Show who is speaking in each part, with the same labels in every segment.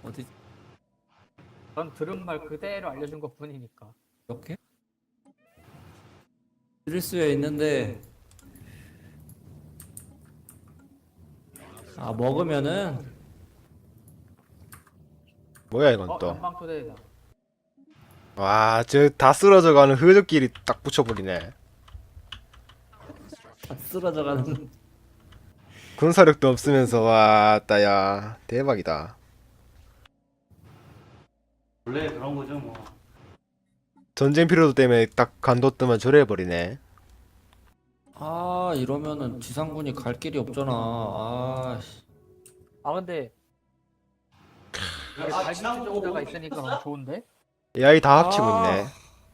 Speaker 1: 어디
Speaker 2: 전 들은 말 그대로 알려준 것 뿐이니까.
Speaker 1: 이렇게? 들을 수야 있는데 아 먹으면은
Speaker 3: 뭐야 이건 또.
Speaker 2: 연방 토대다.
Speaker 3: 와, 저 다 쓰러져가는 흐적끼리 딱 붙여버리네.
Speaker 1: 다 쓰러져가는
Speaker 3: 군사력도 없으면서 와, 따야 대박이다.
Speaker 4: 원래 그런 거죠 뭐.
Speaker 3: 전쟁 피로도 때문에 딱 간도뜨면 저래버리네.
Speaker 1: 아 이러면은 지상군이 갈 길이 없잖아. 아 씨.
Speaker 2: 아 근데
Speaker 4: 아,
Speaker 2: 갈기 추종자가 있으니까 너무 좋은데?
Speaker 3: AI 다 합치고
Speaker 1: 아.
Speaker 3: 있네.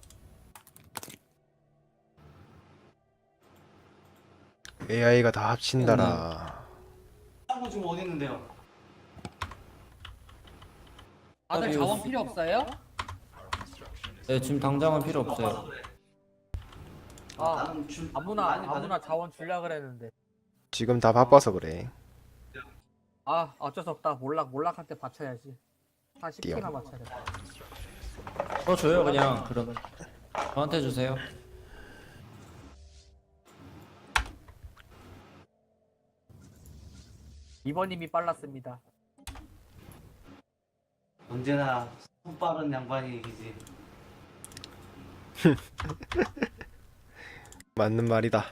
Speaker 3: AI가 다 합친다라.
Speaker 4: 쌍구 지금 어디 있는데요?
Speaker 2: 다들
Speaker 1: 아니,
Speaker 2: 자원 필요 없어요?
Speaker 1: 네, 지금 당장은 필요 없어요.
Speaker 4: 바빠서 그래.
Speaker 2: 아
Speaker 4: 나는
Speaker 2: 아무나 자원 줄라 그랬는데.
Speaker 3: 지금 다 바빠서 그래.
Speaker 2: 아 어쩔 수 없다. 몰락한테 받쳐야지. 한
Speaker 3: 띠용.
Speaker 2: 10개나 맞춰야겠다.
Speaker 1: 줘요 그냥 그럼 저한테 주세요.
Speaker 2: 이번님이 빨랐습니다.
Speaker 4: 언제나 손 빠른 양반이 이기지.
Speaker 3: 맞는 말이다.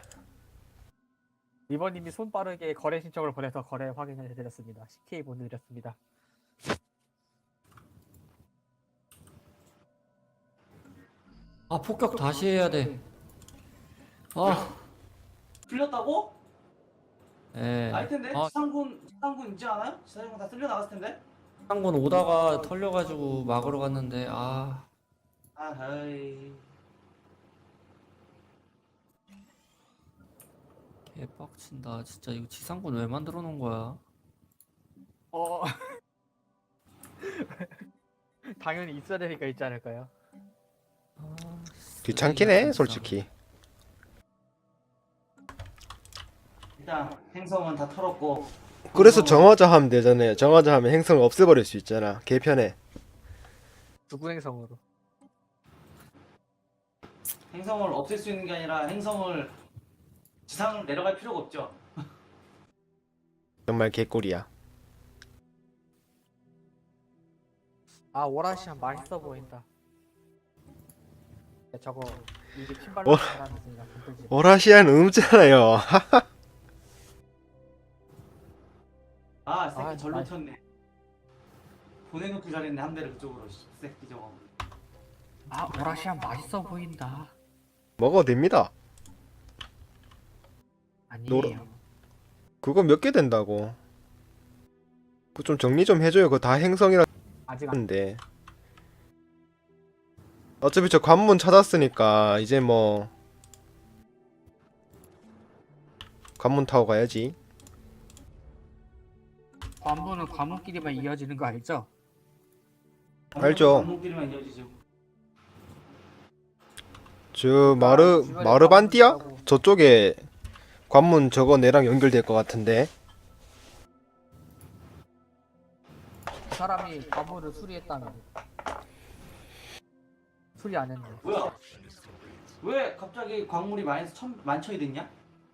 Speaker 2: 이번님이 손빠르게 거래 신청을 보내서 거래 확인을 해드렸습니다. CK 보내드렸습니다.
Speaker 1: 아 폭격 다시 해야 돼. 아,
Speaker 4: 풀렸다고?
Speaker 1: 예.
Speaker 4: 아닐 텐데.
Speaker 1: 아,
Speaker 4: 지상군 있지 않아요? 지상군 다 쓸려 나갔을 텐데.
Speaker 1: 지상군 오다가 털려가지고 막으러 갔는데 아,
Speaker 4: 아하이.
Speaker 1: 개빡친다. 진짜 이거 지상군 왜 만들어 놓은 거야?
Speaker 2: 어 당연히 있어야 되니까 있지 않을까요?
Speaker 1: 아,
Speaker 3: 귀찮긴 해, 솔직히.
Speaker 4: 일단 행성은 다 털었고.
Speaker 3: 그래서 정화자 하면 되잖아요. 정화자 하면 행성을 없애버릴 수 있잖아. 개편해.
Speaker 2: 주구행성으로.
Speaker 4: 행성을 없앨 수 있는 게 아니라 행성을 지상을 내려갈 필요가 없죠.
Speaker 3: 정말 개꿀이야.
Speaker 2: 아 오라시안 맛있어 보인다. 야, 저거 이게
Speaker 3: 어?
Speaker 2: 핀발로 잘하는 순간 들지.
Speaker 3: 오라시아는 없잖아요.
Speaker 4: 아, 새끼
Speaker 2: 아,
Speaker 4: 절로
Speaker 2: 아이.
Speaker 4: 튀었네. 보내놓고 잘했네 한 대를 그쪽으로. 새끼 저거.
Speaker 2: 아 오라시안 맛있어 보인다.
Speaker 3: 먹어도 됩니다.
Speaker 2: 아니에요.
Speaker 3: 그거 몇 개 된다고. 그거 좀 정리 좀 해줘요. 그거 다 행성이라
Speaker 2: 아직 안.
Speaker 3: 하는데. 어차피 저 관문 찾았으니까 이제 뭐 관문 타고 가야지.
Speaker 2: 관문은 관문끼리만 이어지는 거 알죠?
Speaker 3: 알죠.
Speaker 4: 관문끼리만 이어지죠.
Speaker 3: 저 마르반디아? 저쪽에 관문 저거 내랑 연결될 것 같은데.
Speaker 2: 그 사람이 관문을 수리했다면 수리 안 했네.
Speaker 4: 뭐야? 왜 갑자기 광물이 마이너스 1000이 됐냐?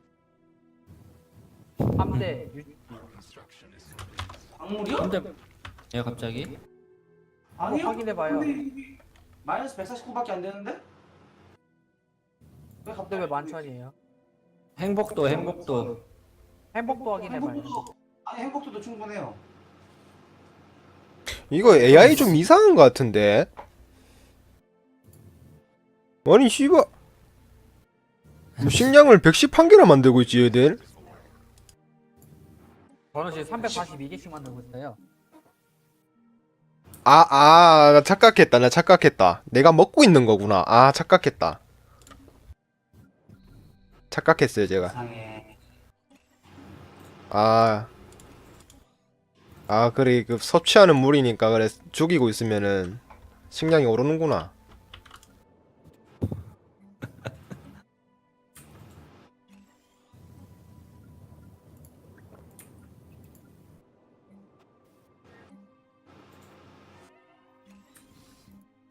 Speaker 2: 3대
Speaker 4: 광물이요?
Speaker 1: 근데 예 갑자기
Speaker 4: 아니요.
Speaker 2: 확인해봐요.
Speaker 4: 근데 이게 마이너스 149밖에 안 되는데? 왜
Speaker 2: 근데
Speaker 4: 갑자기
Speaker 2: 왜 만천이에요?
Speaker 1: 행복도
Speaker 2: 행복도 확인해봐요.
Speaker 4: 행복도도 충분해요.
Speaker 3: 이거 AI 좀 이상한 것 같은데. 아니 씨발 뭐 식량을 111개나 만들고 있지 얘들.
Speaker 2: 저는 지금 342개씩 만들고 있어요.
Speaker 3: 나 착각했다. 내가 먹고 있는 거구나. 아, 착각했다. 착각했어요, 제가.
Speaker 4: 이상해.
Speaker 3: 그래, 그 섭취하는 물이니까 그래 죽이고 있으면은 식량이 오르는구나.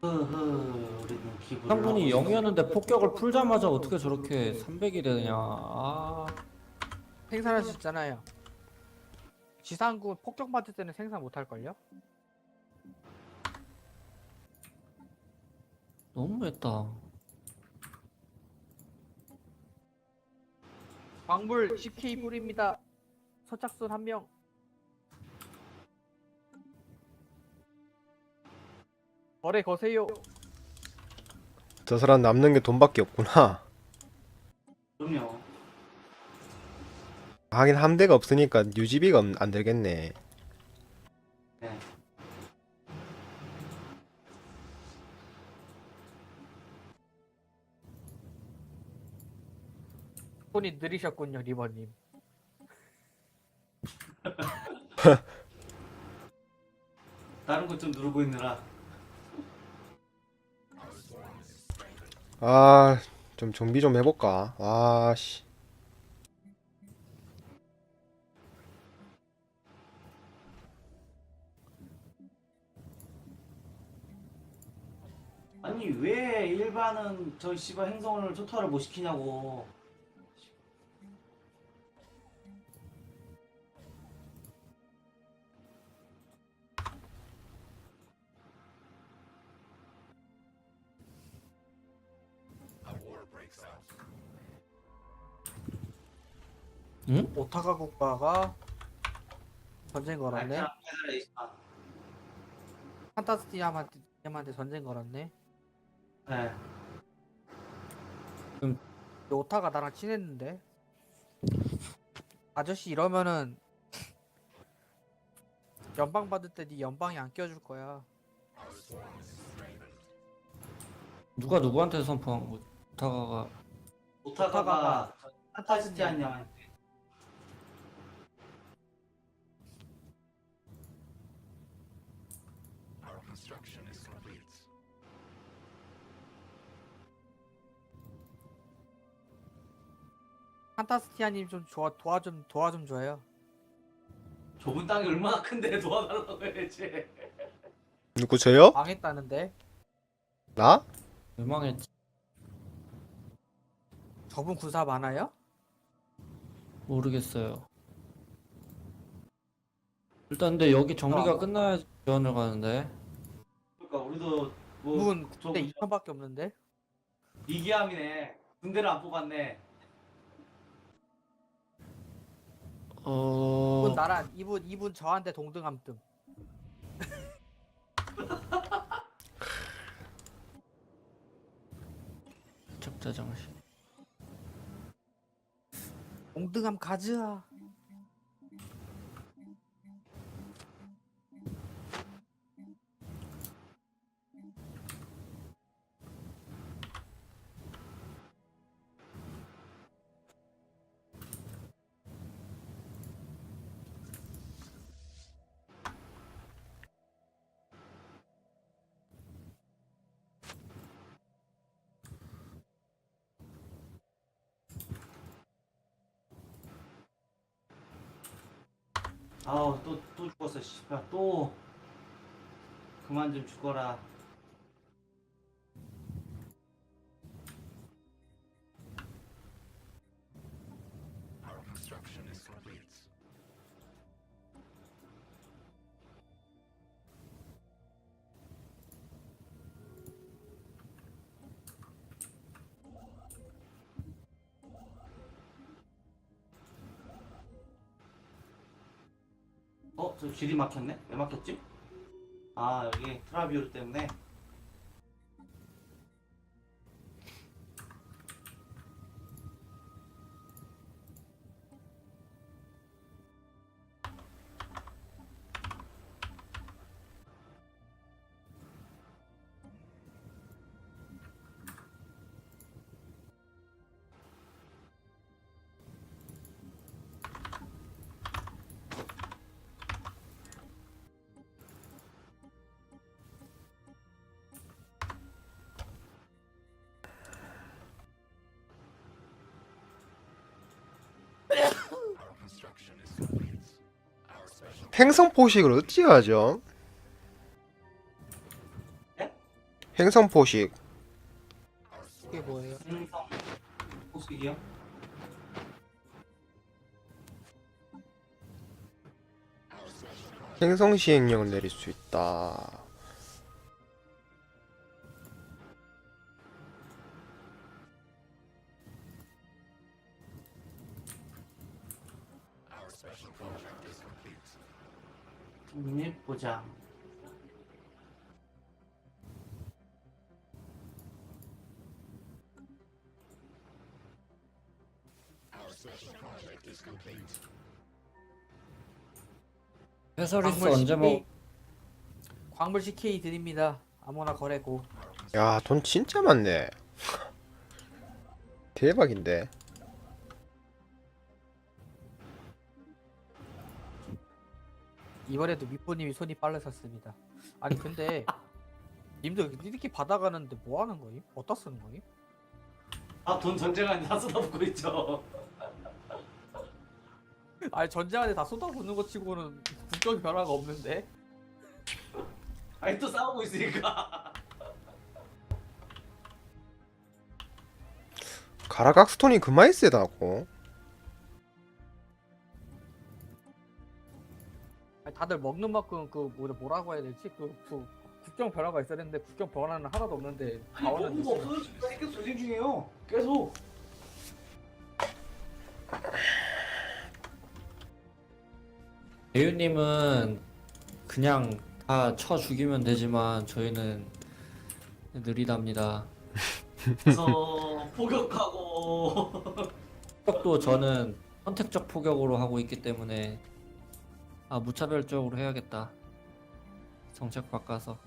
Speaker 4: 우리는 기부를
Speaker 1: 지상군이
Speaker 4: 하고
Speaker 1: 0이었는데 폭격을 풀자마자 어떻게 저렇게 300이 되냐. 아,
Speaker 2: 생산할 수 있잖아요. 지상군 폭격 받을 때는 생산 못 할걸요?
Speaker 1: 너무했다.
Speaker 2: 광물 10K 불입니다. 서착순 1명. 거래 거세요.
Speaker 3: 저 사람 남는 게 돈밖에 없구나.
Speaker 4: 그럼요.
Speaker 3: 하긴 함대가 없으니까 유지비가 안 들겠네.
Speaker 4: 네.
Speaker 2: 손이 느리셨군요, 리버님.
Speaker 4: 다른 것 좀 누르고 있느라.
Speaker 3: 아, 좀 정비 좀 해볼까? 아, 씨.
Speaker 4: 아니 왜 일반은 저 씨발 행성을 초토화를 못 시키냐고.
Speaker 1: 응?
Speaker 2: 오타카 국가가 전쟁 걸었네.
Speaker 4: 알테랑 페데레이션.
Speaker 2: 판타스티아한테 전쟁 걸었네.
Speaker 4: 네.
Speaker 2: 근데 오타가 나랑 친했는데. 아저씨 이러면은 연방 받을 때 네 연방이 안 껴줄 거야.
Speaker 1: 누가 누구한테 선포한 거? 다가가
Speaker 4: 오타카가 판타스티안 양한테.
Speaker 2: 판타스티아님 좀 도와 좀 줘요.
Speaker 4: 좁은 땅이 얼마나 큰데 도와달라고 해야지.
Speaker 3: 누구 저요?
Speaker 2: 망했다는데.
Speaker 3: 나?
Speaker 1: 멸망했지.
Speaker 2: 저분 군사 많아요?
Speaker 1: 모르겠어요. 일단 근데 여기 정리가 끝나야 지원을 가는데.
Speaker 4: 그러니까 우리도 뭐
Speaker 2: 문
Speaker 4: 저-
Speaker 2: 그때 2천밖에 없는데.
Speaker 4: 이기함이네. 군대를 안 뽑았네.
Speaker 2: 이분 나랑 이분 저한테 동등함뜸.
Speaker 1: 적자 장식.
Speaker 2: 동등함 가즈아.
Speaker 4: 아우 또 죽었어 씨발 또 그만 좀 죽어라. 저 길이 막혔네? 왜 막혔지? 아 여기 트라비오르 때문에.
Speaker 3: 행성 포식을 어찌 하죠?
Speaker 4: 네?
Speaker 3: 행성 포식.
Speaker 2: 이게 뭐예요?
Speaker 4: 행성 포식이요?
Speaker 3: 행성 시행령을 내릴 수 있다.
Speaker 4: 독립보장.
Speaker 1: 해설리스
Speaker 2: 광물
Speaker 1: 언제 먹?
Speaker 2: 광물 CK 드립니다. 아무나 거래고.
Speaker 3: 야, 돈 진짜 많네. 대박인데.
Speaker 2: 이번에도 미포님이 손이 빨라졌습니다. 아니 근데 님들 이렇게 받아가는데 뭐 하는 거임? 어디다 쓰는 거임?
Speaker 4: 아, 돈 전쟁안에 다 쏟아붓고 있죠.
Speaker 2: 아니 전쟁한테 다 쏟아붓는 거 치고는 국적이 변화가 없는데?
Speaker 4: 아니 또 싸우고 있으니까.
Speaker 3: 가라각스톤이 그마이 세다고.
Speaker 2: 아니, 다들 먹는 만큼 그 뭐라고 해야 되지? 그 국경 변화가 있어야 되는데 국경 변화는 하나도 없는데
Speaker 4: 아니
Speaker 2: 자원은
Speaker 4: 먹은 거 없어서 계속 전쟁 중이에요. 계속.
Speaker 1: 대유님은 그냥 다 쳐 죽이면 되지만 저희는 느리답니다.
Speaker 4: 그래서 포격하고.
Speaker 1: 폭격도 저는 선택적 포격으로 하고 있기 때문에 무차별적으로 해야겠다. 정책 바꿔서.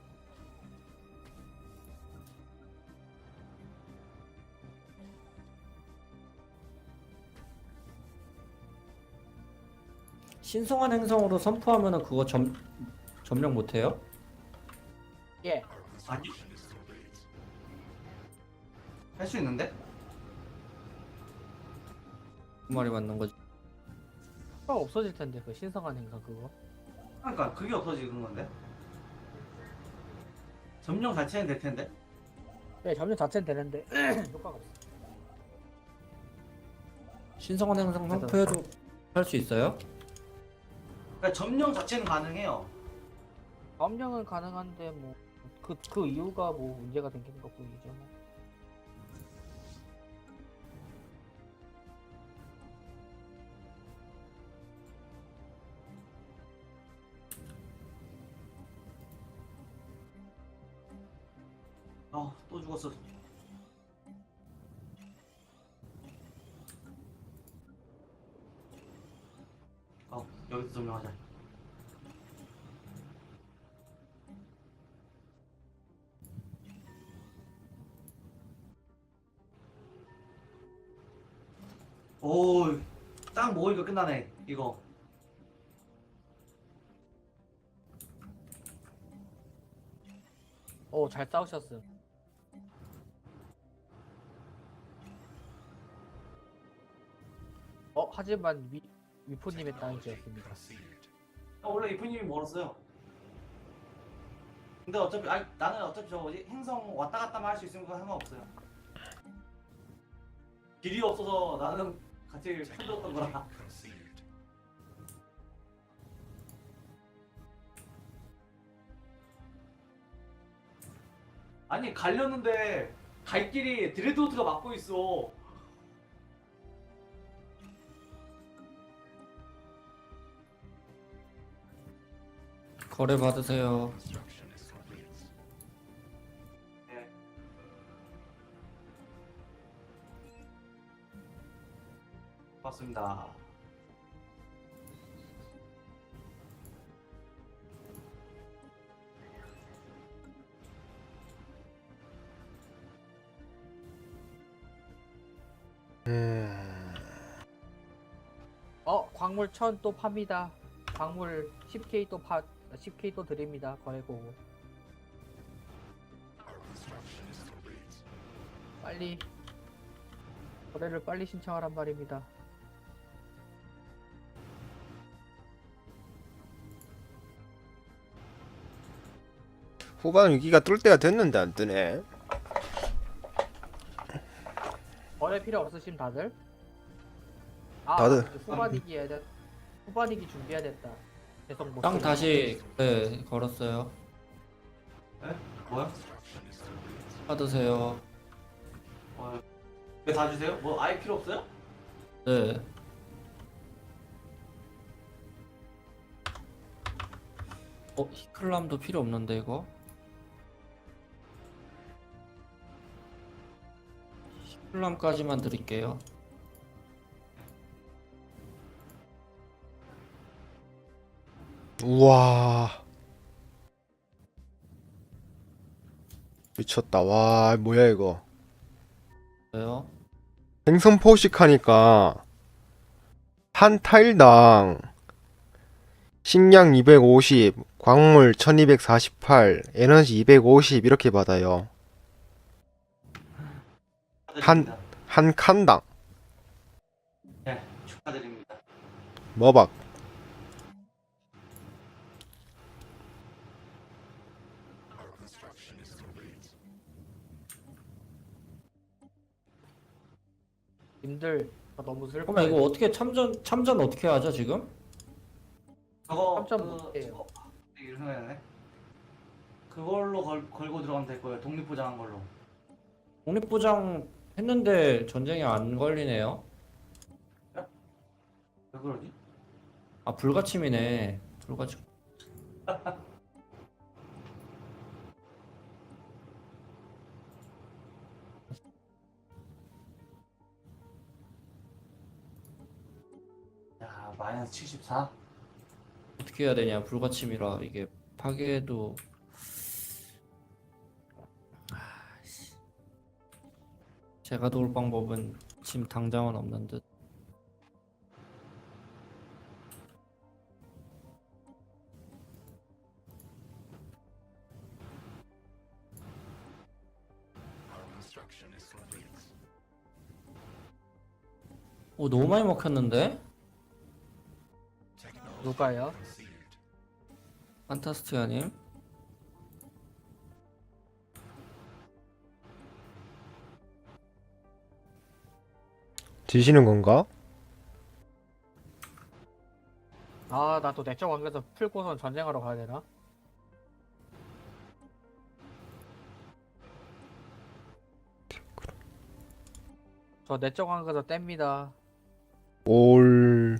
Speaker 1: 신성한 행성으로 선포하면은 그거 점령 못해요?
Speaker 2: 예.
Speaker 4: 아니요. 할 수 있는데?
Speaker 1: 그 말이 맞는 거지.
Speaker 2: 그거 없어질 텐데 그 신성한 행성 그거.
Speaker 4: 그러니까 그게 없어지는 건데. 점령 자체는 될 텐데.
Speaker 2: 네, 점령 자체는 되는데 효과가 없어.
Speaker 1: 신성한 행성 선포해도 할 수 있어요?
Speaker 4: 그러니까 점령 자체는 가능해요.
Speaker 2: 점령은 가능한데 뭐 그 이유가 뭐 문제가 생기는 것 뿐이죠. 뭐.
Speaker 4: 아, 또 죽었어. 여기서 점령하자. 오, 딱 모으니까 끝나네, 이거.
Speaker 2: 잘 싸우셨음. 하지만 위포님의 땅이 되었습니다.
Speaker 4: 원래 이프님이 멀었어요. 근데 어차피, 나는 어차피 저 뭐지? 행성 왔다 갔다만 할 수 있으면 그거 상관없어요. 길이 없어서 나는 같이 편들었던 거라. 아니, 가려는데 갈 길이 드레드호트가 막고 있어.
Speaker 1: 거래 받으세요.
Speaker 4: 네. 맞습니다.
Speaker 2: 광물 1000 또 팝니다. 광물 10K 또 10K 또 드립니다. 거래고. 빨리 거래를 빨리 신청하란 말입니다.
Speaker 3: 후반 위기가 뚫 때가 됐는데 안 뜨네.
Speaker 2: 거래 필요 없으심 다들?
Speaker 3: 다들.
Speaker 2: 이제 후반이기 해야 돼. 후반이기 준비해야 됐다. 계속 못
Speaker 1: 땅
Speaker 2: 쓰고.
Speaker 1: 다시 네 걸었어요.
Speaker 4: 에? 뭐야?
Speaker 1: 받으세요.
Speaker 4: 왜 다 주세요? 뭐 아예 필요 없어요?
Speaker 1: 네. 히클람도 필요 없는데 이거? 히클람까지만 드릴게요.
Speaker 3: 우와. 미쳤다. 와, 뭐야 이거.
Speaker 1: 왜요?
Speaker 3: 행성 포식하니까 한 타일당 식량 250, 광물 1248, 에너지 250 이렇게 받아요.
Speaker 4: 축하드립니다.
Speaker 3: 한 칸당.
Speaker 4: 네, 축하드립니다.
Speaker 3: 머박.
Speaker 2: 님들 다 너무 슬퍼.
Speaker 1: 그러면 이거 어떻게 참전 어떻게 하죠 지금?
Speaker 4: 저거
Speaker 2: 깜짝
Speaker 4: 그
Speaker 2: 놀랐어요.
Speaker 4: 이런 생각이네. 그걸로 걸고 들어가면 될 거예요. 독립보장한 걸로.
Speaker 1: 독립보장 했는데 전쟁이 안 걸리네요.
Speaker 4: 왜 그러지?
Speaker 1: 아 불가침이네. 불가침.
Speaker 4: 야, 마이너스 74?
Speaker 1: 어떻게 해야 되냐? 불가침이라 이게 파괴도 제가 도울 방법은 지금 당장은 없는 듯. 오 너무 많이 먹혔는데?
Speaker 2: 누가요?
Speaker 1: 판타스티아님?
Speaker 3: 지시는 건가?
Speaker 2: 아, 나 또 내적 관계에서 풀고선 전쟁하러 가야 되나? 저 내적 관계에서 뗍니다.
Speaker 3: 올.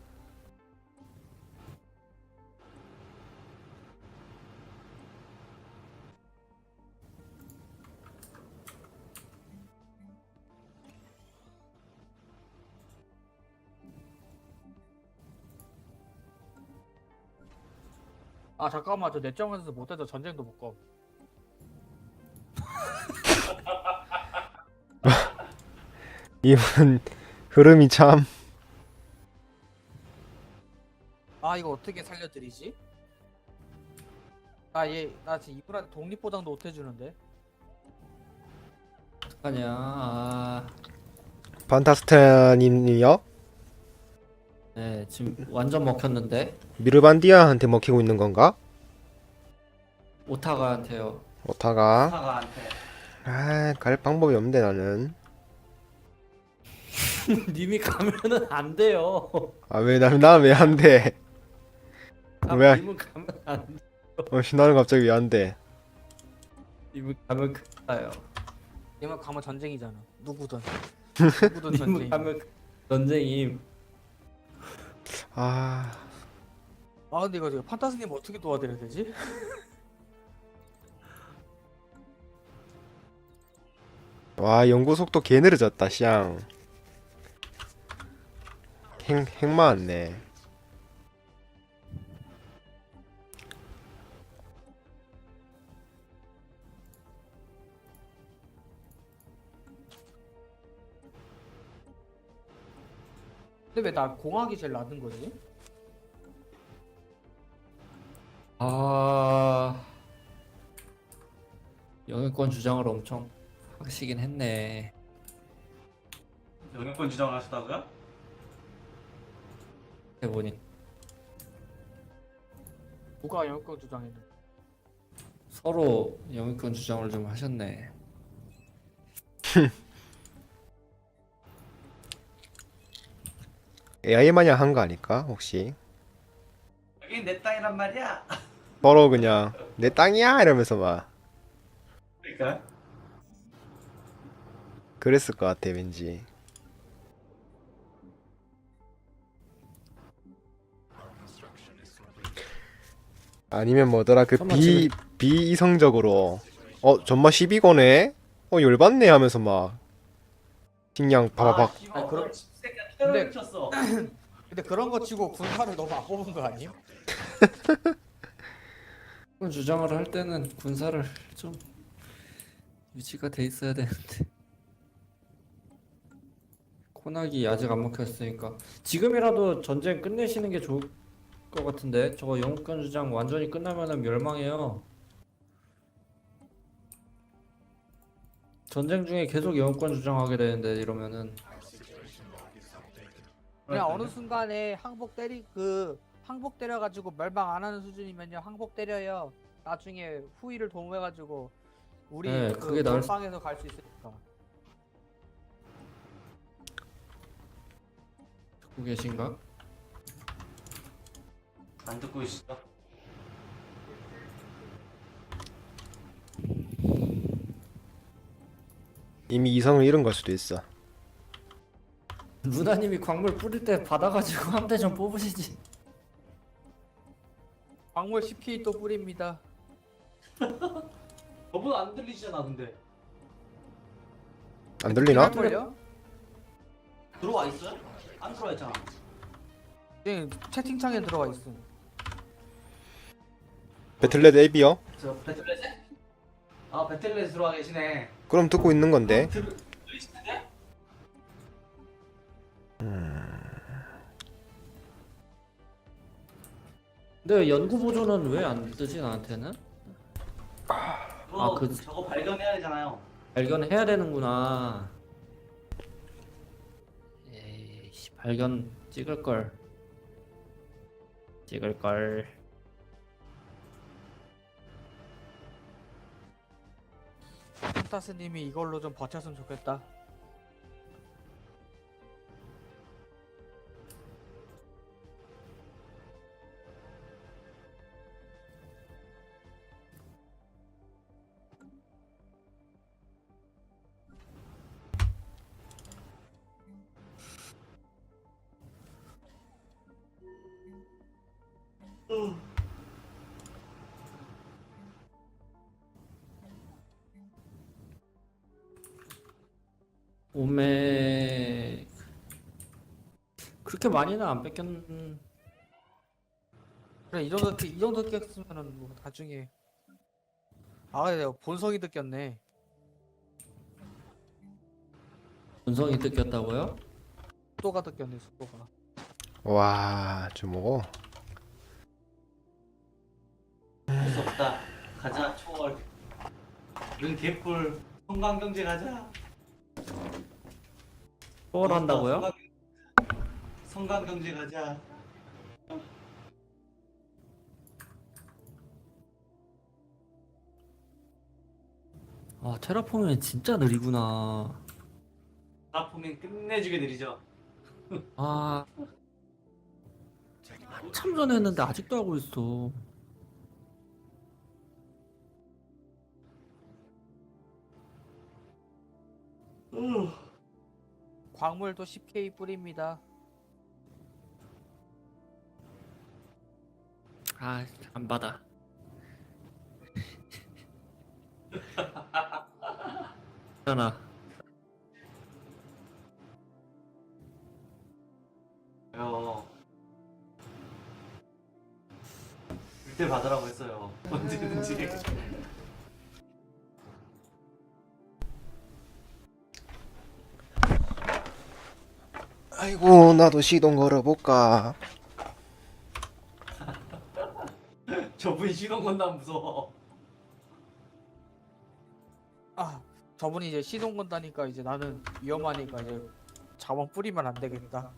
Speaker 2: 아, 잠깐만, 저 내적 관계에서 못해서 전쟁도 못 가.
Speaker 3: 이분 흐름이 참.
Speaker 2: 아, 이거 어떻게 살려드리지? 나 지금 이분한테 독립보장도 못 해주는데.
Speaker 1: 어떡하냐? 아,
Speaker 3: 판타스타님이요?
Speaker 1: 네 지금 완전 먹혔는데
Speaker 3: 미르반디아한테 먹히고 있는 건가?
Speaker 1: 오타가한테요.
Speaker 3: 오타가.
Speaker 4: 사가한테.
Speaker 3: 아, 갈 방법이 없는데 나는.
Speaker 1: 님이 가면은 안 돼요.
Speaker 3: 아, 왜 나는 왜 안 돼? 왜?
Speaker 1: 님은 가면 안 돼.
Speaker 3: 나는 갑자기 왜 안 돼?
Speaker 1: 님은 가면 큰일 나요.
Speaker 2: 얘만 가면 전쟁이잖아. 누구든. 누구든
Speaker 1: 님은
Speaker 2: 전쟁.
Speaker 1: 가면 전쟁임.
Speaker 3: 아,
Speaker 2: 근데 이거 판타스님 어떻게 도와드려야 되지?
Speaker 3: 와, 연구 속도 개 느려졌다, 샹. 핵 많네.
Speaker 2: 근데 왜 나 공학이 제일 낮은 거지?
Speaker 1: 아, 영유권 주장을 엄청 하시긴 했네.
Speaker 4: 영역권 주장하셨다고요?
Speaker 1: 해보니
Speaker 2: 누가 영권 주장했는데?
Speaker 1: 서로 영유권 주장을 좀 하셨네.
Speaker 3: AI 마냥 한 거 아닐까 혹시?
Speaker 4: 여긴 내 땅이란 말이야.
Speaker 3: 서로 그냥 내 땅이야 이러면서 막
Speaker 4: 그러니까
Speaker 3: 그랬을 것 같아 왠지. 아니면 뭐더라 그
Speaker 1: 잠깐만, 지금-
Speaker 3: 비이성적으로 전마 12거네? 열받네 하면서 막 식량 바바박.
Speaker 4: 씨발,
Speaker 2: 아니, 그럼-
Speaker 4: 그런 새끼가 테러를
Speaker 2: 근데-
Speaker 4: 쳤어.
Speaker 2: 근데 그런 거 치고 군사를 너무 안 뽑은 거 아님?
Speaker 1: 영유권 주장을 할 때는 군사를 좀 유지가 돼 있어야 되는데. 코나기 아직 안 먹혔으니까 지금이라도 전쟁 끝내시는 게 좋을 것 같은데. 저거 영유권 주장 완전히 끝나면은 멸망해요. 전쟁 중에 계속 영유권 주장하게 되는데 이러면은.
Speaker 2: 그냥 어느 순간에 항복 때려가지고 멸망 안 하는 수준이면요 항복 때려요. 나중에 후위를 도모해가지고 우리
Speaker 1: 네,
Speaker 2: 그
Speaker 1: 그게 나을
Speaker 2: 방에서 갈 수 있으니까.
Speaker 1: 듣고 계신가?
Speaker 4: 안 듣고 있어.
Speaker 3: 이미 이성을 잃은 걸 수도 있어.
Speaker 1: 루나님이 광물 뿌릴 때 받아가지고 함대 좀 뽑으시지.
Speaker 2: 광물 10K 또 뿌립니다.
Speaker 4: 저보다 안 들리시잖아 근데.
Speaker 3: 안 들리나?
Speaker 2: 걸요?
Speaker 4: 들어와 있어요? 안 들어와 있잖아.
Speaker 2: 네, 채팅창에 들어와 있음.
Speaker 3: 배틀넷 앱이요?
Speaker 4: 저 배틀넷에? 아 배틀넷에 들어와 계시네.
Speaker 3: 그럼 듣고 있는 건데.
Speaker 4: 들으시는데?
Speaker 1: 근데 연구 보조는 왜 안 뜨지 나한테는?
Speaker 4: 그거
Speaker 1: 그-
Speaker 4: 저거 발견해야 되잖아요.
Speaker 1: 발견해야 되는구나. 에이씨, 발견 찍을 걸. 찍을 걸.
Speaker 2: 펜타스님이 이걸로 좀 버텼으면 좋겠다.
Speaker 1: 오메 그렇게 많이는 안 뺏겼.
Speaker 2: 그래 이 정도 깼으면은 뭐 나중에 내가 본성이 느꼈네.
Speaker 1: 본성이 뜯겼다고요?
Speaker 2: 속도가 느꼈네 속도가.
Speaker 3: 와, 주먹.
Speaker 4: 할 수 없다. 가자 초월. 이런 개뿔. 성광경제 가자.
Speaker 1: 초월한다고요?
Speaker 4: 성광경제 가자.
Speaker 1: 아 테라포밍 진짜 느리구나.
Speaker 4: 라포밍 끝내주게 느리죠.
Speaker 1: 아 한참 전에 했는데 아직도 하고 있어.
Speaker 2: 광물도 10K 뿌립니다.
Speaker 1: 아 안 받아. 괜찮아.
Speaker 4: 그때 받으라고 했어요. 언제든지.
Speaker 3: 아이고, 나도 시동 걸어볼까.
Speaker 4: 저분이 시동 건다면 무서워.
Speaker 2: 저분이 이제 시동 건다니까 이제 나는 위험하니까 이제 자원 뿌리면 안 되겠다.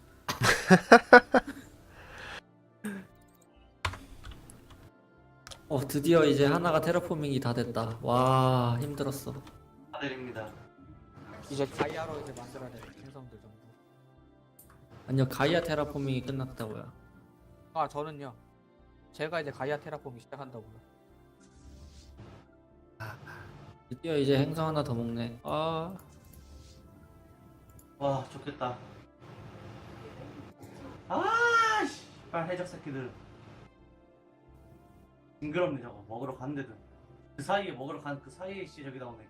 Speaker 1: 드디어 이제 하나가 테라포밍이 다 됐다. 와, 힘들었어.
Speaker 4: 축하드립니다.
Speaker 2: 이제 가이아로 이제 만들어야 돼 행성들 전부.
Speaker 1: 아니요, 가이아 테라포밍이 끝났다고요.
Speaker 2: 아 저는요. 제가 이제 가이아 테라폼 시작한다고요.
Speaker 1: 드디어 이제 행성 하나 더 먹네. 아,
Speaker 4: 와 좋겠다. 씨발 해적 새끼들. 징그럽네 저거. 먹으러 갔는데도. 그 사이에 먹으러 간 그 사이에 씨 저기 나오네.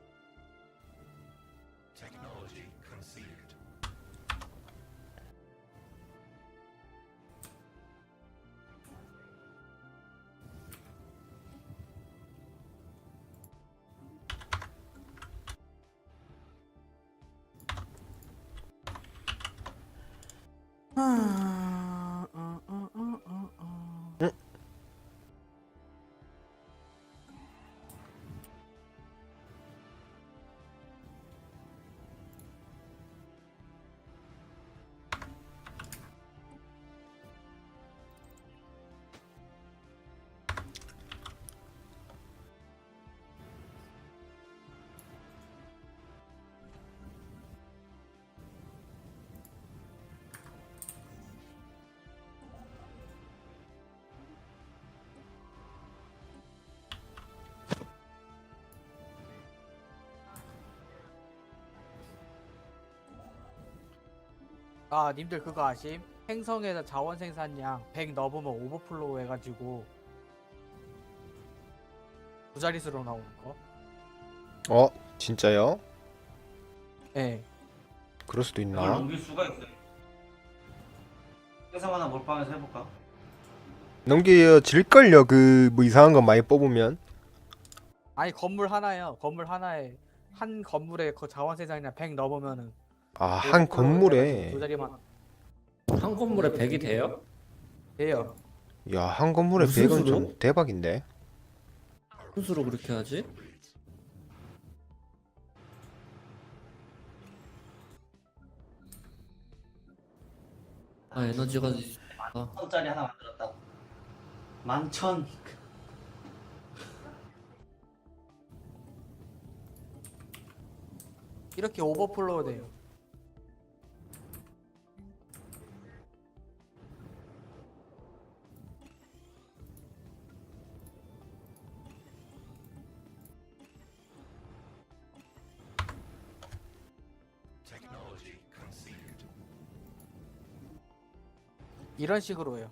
Speaker 2: 아 님들 그거 아심? 행성에서 자원 생산량 100 넘으면 오버플로우 해가지고 두 자릿수로 나오는 거?
Speaker 3: 진짜요?
Speaker 2: 예.
Speaker 3: 그럴 수도
Speaker 4: 이걸
Speaker 3: 있나?
Speaker 4: 넘길 수가 있어요. 행성 하나 몰빵해서 해볼까?
Speaker 3: 넘겨질걸요. 그 뭐 이상한 거 많이 뽑으면.
Speaker 2: 아니 건물 하나요. 건물 하나에 한 건물에 그 자원 생산량 100 넘으면은
Speaker 3: 한
Speaker 2: 오버플로우
Speaker 3: 건물에.
Speaker 2: 해가지고 두 자리만
Speaker 1: 한 건물에 100이 돼요?
Speaker 2: 돼요.
Speaker 3: 야, 한 건물에
Speaker 1: 무슨
Speaker 3: 100은
Speaker 1: 수로?
Speaker 3: 좀 대박인데.
Speaker 1: 무슨 수로 그렇게 하지? 에너지가
Speaker 4: 천짜리 하나 만들었다. 11,000.
Speaker 2: 이렇게 오버플로우 돼요. 이런 식으로요.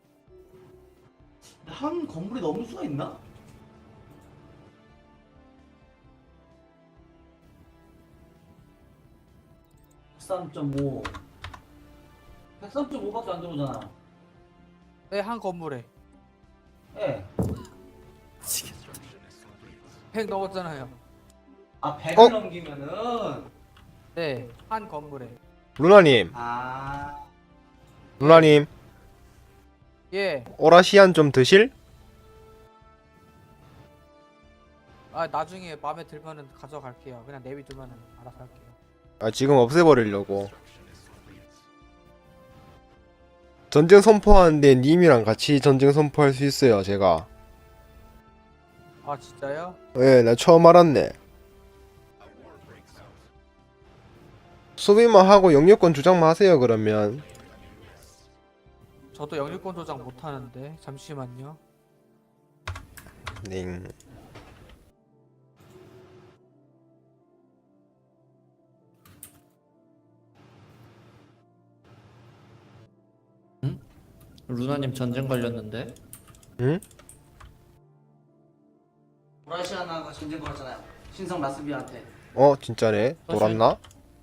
Speaker 4: 한 건물이 넘을 수가 있나? (103.5) 103.5밖에 안 들어오잖아.
Speaker 2: 네, 한 건물에
Speaker 4: 예.
Speaker 2: 100 넘었잖아요.
Speaker 4: 100을 넘기면은
Speaker 2: 네, 한 건물에.
Speaker 3: 루나님, 루나님,
Speaker 2: 예.
Speaker 3: 오라시안 좀 드실?
Speaker 2: 아 나중에 마음에 들면은 가져갈게요. 그냥 내비두면은 알아서 할게요.
Speaker 3: 지금 없애버리려고. 전쟁 선포하는데 님이랑 같이 전쟁 선포할 수 있어요, 제가.
Speaker 2: 아 진짜요?
Speaker 3: 예, 나 처음 알았네. 소비만 하고 영유권 주장만 하세요, 그러면.
Speaker 2: 저도 영유권 조작 못하는데 잠시만요.
Speaker 3: 네.
Speaker 1: 루나님 전쟁 걸렸는데?
Speaker 3: 응?
Speaker 4: 브라시아나가 전쟁 걸었잖아요. 신성 라스비아한테.
Speaker 3: 진짜네. 돌았나?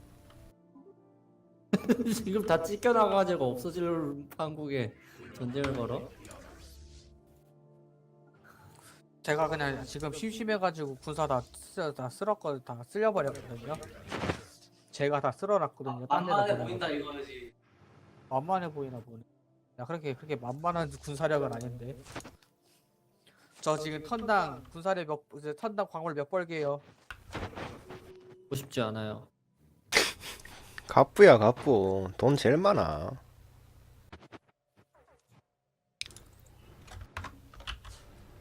Speaker 1: 지금 다 찢겨나가지고 없어질 판국에 전쟁을 걸어?
Speaker 2: 제가 그냥 지금 심심해가지고 군사 다 쓸려버렸거든요. 제가 다 쓸어놨거든요. 딴 데다
Speaker 4: 만만해
Speaker 2: 보내고.
Speaker 4: 보인다 이거지.
Speaker 2: 만만해 보이나 보네. 야 그렇게 만만한 군사력은 아닌데. 저 지금 턴당 군사력 턴당 광물 몇 벌게요.
Speaker 1: 보고 싶지 않아요.
Speaker 3: 갑부야, 갑부. 돈 제일 많아.